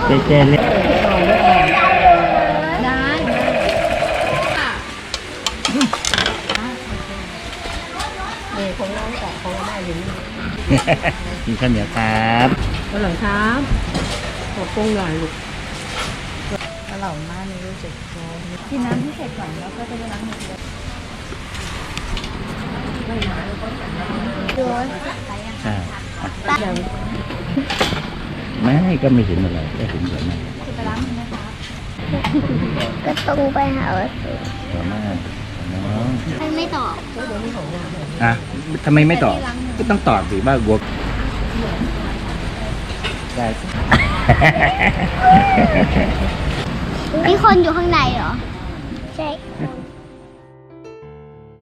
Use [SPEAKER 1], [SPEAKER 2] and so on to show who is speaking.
[SPEAKER 1] เจเจเล่น
[SPEAKER 2] ของน้องแต่ของแม่อยู่นี่
[SPEAKER 1] กินข้าวเหนียวครับ
[SPEAKER 2] วันหลังครับขอปรุงหน่อยลูกอร่อยมากเลยรู้สึกกินน้ำที่เสร็จก่อนแล้วก็จะไปล้างมือเลยดู
[SPEAKER 1] ใช่
[SPEAKER 2] อย่าง
[SPEAKER 1] ไม่ก็ไม่เห็นอะไรก็เห็นสวยมาก
[SPEAKER 2] จะไปล้างมือนะคะ
[SPEAKER 3] ก็ต้องไปหาวัตถุ
[SPEAKER 1] สวยมากน้อง
[SPEAKER 3] มันไม่ตอบ
[SPEAKER 1] อ่ะทำไมไม่ตอบก็ต้องตอบสิว่าวัวได้
[SPEAKER 3] มีคนอยู่ข้างในเหรอ ใช่